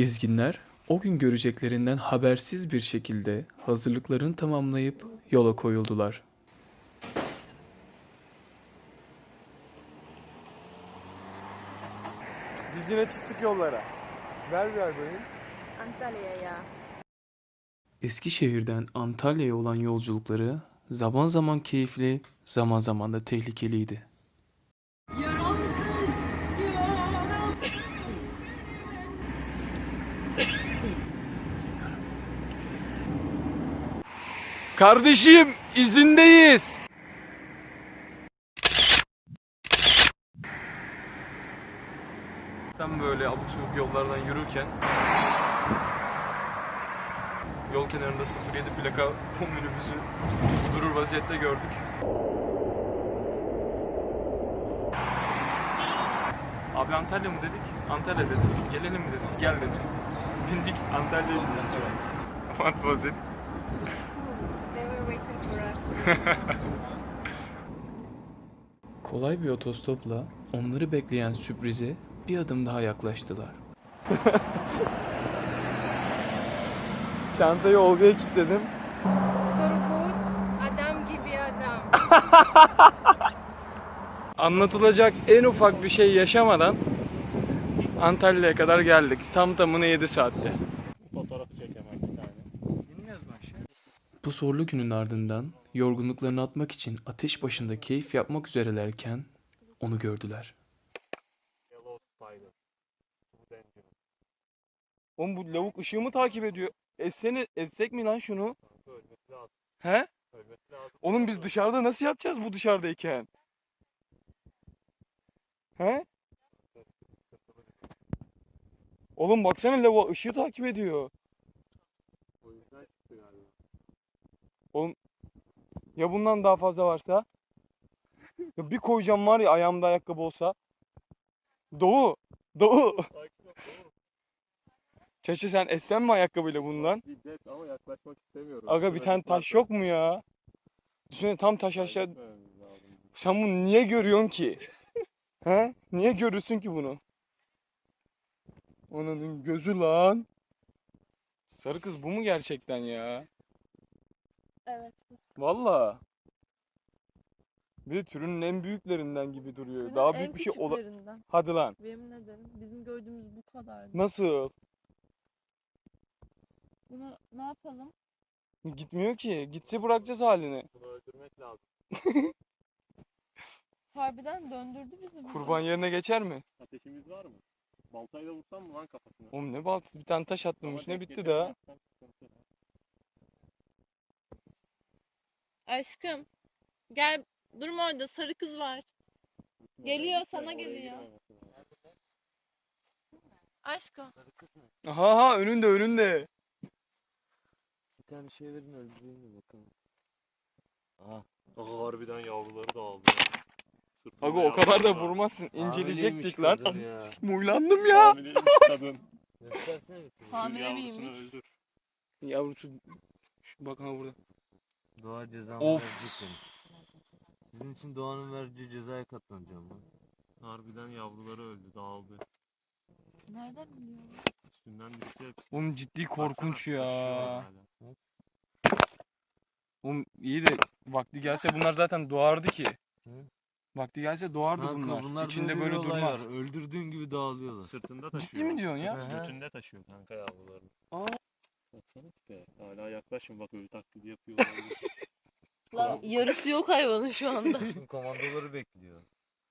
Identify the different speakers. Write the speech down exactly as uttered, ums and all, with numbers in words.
Speaker 1: Gezginler o gün göreceklerinden habersiz bir şekilde hazırlıklarını tamamlayıp yola koyuldular.
Speaker 2: Biz yine çıktık yollara. Ver ver bakayım.
Speaker 3: Antalya'ya.
Speaker 1: Eskişehir'den Antalya'ya olan yolculukları zaman zaman keyifli, zaman zaman da tehlikeliydi.
Speaker 2: Kardeşim izindeyiz. Sen böyle abuk subuk yollardan yürürken yol kenarında sıfır yedi plaka bu minibüsü durur vaziyette gördük. Abi Antalya mı dedik? Antalya dedi. Gelelim mi dedik? Gel dedi. Bindik Antalya'ya gidiyoruz şu an. What was it?
Speaker 3: They were waiting for us.
Speaker 1: Kolay bir otostopla onları bekleyen sürprize bir adım daha yaklaştılar.
Speaker 2: Çantayı Olga'ya kilitledim.
Speaker 3: Turgut, adam gibi adam.
Speaker 2: Anlatılacak en ufak bir şey yaşamadan Antalya'ya kadar geldik. Tam tamına yedi saatte.
Speaker 4: Fotoğrafı çekemem bir tane. Bilmiyoruz mu aşağı?
Speaker 1: Bu zorlu günün ardından yorgunluklarını atmak için ateş başında keyif yapmak üzerelerken onu gördüler.
Speaker 4: Yellow Spider. Bu dangerous.
Speaker 2: Oğlum bu lavuk ışığımı takip ediyor. Essene, essek mi lan şunu?
Speaker 4: Kanka ölmesi lazım.
Speaker 2: He?
Speaker 4: Ölmesi lazım.
Speaker 2: Oğlum biz dışarıda nasıl yapacağız bu dışarıdayken? He? Oğlum baksana lavuğa ışığı takip ediyor.
Speaker 4: O yüzden çıktı galiba.
Speaker 2: Oğlum ya bundan daha fazla varsa? Ya bir koyacağım var ya ayağımda ayakkabı olsa. Doğu. Doğu.
Speaker 4: Sakin ol. Doğru.
Speaker 2: Çeşe sen essen mi ayakkabıyla bundan?
Speaker 4: Şiddet ama yaklaşmak istemiyorum.
Speaker 2: Aga bir
Speaker 4: Şurada
Speaker 2: tane taş
Speaker 4: parça.
Speaker 2: yok mu ya? Düşünsene tam taş aşağı.
Speaker 4: Gitmememiz lazım.
Speaker 2: Sen bunu niye görüyorsun ki? He? Niye görürsün ki bunu? Onun gözü lan. Sarı kız bu mu gerçekten ya?
Speaker 3: Evet.
Speaker 2: Valla. Bir de türünün en büyüklerinden gibi duruyor.
Speaker 5: Bunun
Speaker 2: Daha
Speaker 5: en
Speaker 2: büyük bir şey ola...
Speaker 5: küçüklerinden.
Speaker 2: Hadi lan.
Speaker 5: Yemin ederim bizim gördüğümüz bu kadardı.
Speaker 2: Nasıl?
Speaker 5: Bunu ne yapalım?
Speaker 2: Gitmiyor ki. Gitse bırakacağız halini.
Speaker 4: Bunu öldürmek lazım.
Speaker 5: Harbiden döndürdü bizi burada.
Speaker 2: Kurban yerine geçer mi?
Speaker 4: Ateşimiz var mı? Baltayla vursam mı lan kafasına?
Speaker 2: Oğlum ne baltası, bir tane taş attım
Speaker 4: Ama
Speaker 2: üstüne
Speaker 4: denk
Speaker 2: bitti
Speaker 4: getirme
Speaker 2: daha.
Speaker 4: yapsam sıkıntı.
Speaker 5: Aşkım gel, durma orada, sarı kız var.
Speaker 4: Gitme,
Speaker 5: Geliyor,
Speaker 4: oraya gitme,
Speaker 5: sana
Speaker 4: oraya
Speaker 5: geliyor.
Speaker 4: girmemesi lazım.
Speaker 5: Aşkım.
Speaker 2: Aha ha önünde önünde.
Speaker 4: Bir tane şey verin öldüreyim mi bakalım. Aha. Aha harbiden yavruları da aldı. Sırtında
Speaker 2: Aga o kadar da
Speaker 4: yavruları var.
Speaker 2: vurmazsın. İnceleyecektik
Speaker 4: Hamileymiş
Speaker 2: lan.
Speaker 4: kadın ya.
Speaker 2: Muylandım ya.
Speaker 4: Hamileymiş kadın. Göstersene bir kere.
Speaker 5: Hamile
Speaker 4: Yavrusunu
Speaker 5: miymiş?
Speaker 4: öldür.
Speaker 2: Yavrusu. Şu bak ha burada.
Speaker 6: Doğa cezamı
Speaker 2: Of.
Speaker 6: verecek beni. Sizin için doğanın vereceği cezaya katlanacağım ben.
Speaker 4: Harbiden yavruları öldü, dağıldı.
Speaker 5: Nereden biliyorsun?
Speaker 4: Üstünden düştü hepsi.
Speaker 2: Oğlum ciddi
Speaker 4: Baksana,
Speaker 2: korkunç
Speaker 4: taşıyor
Speaker 2: ya.
Speaker 4: hala.
Speaker 2: Oğlum iyi de vakti gelse bunlar zaten doğardı ki.
Speaker 6: Hı?
Speaker 2: Vakti gelse doğardı
Speaker 6: Kanka,
Speaker 2: bunlar.
Speaker 6: bunlar
Speaker 2: İçinde
Speaker 6: böyle,
Speaker 2: böyle
Speaker 6: bir olay
Speaker 2: durmaz.
Speaker 6: var. Öldürdüğün gibi dağılıyorlar.
Speaker 4: Sırtında taşıyor.
Speaker 2: Ciddi mi diyorsun ya?
Speaker 4: Sırtında,
Speaker 6: Hı hı.
Speaker 4: götünde taşıyor kanka yavrularını.
Speaker 2: Aa.
Speaker 4: Baksana tipe. Hala yaklaşın bak ölü taklidi yapıyor. olabilir.
Speaker 5: Lan yarısı yok hayvanın şu anda.
Speaker 6: Şimdi komandoları bekliyor.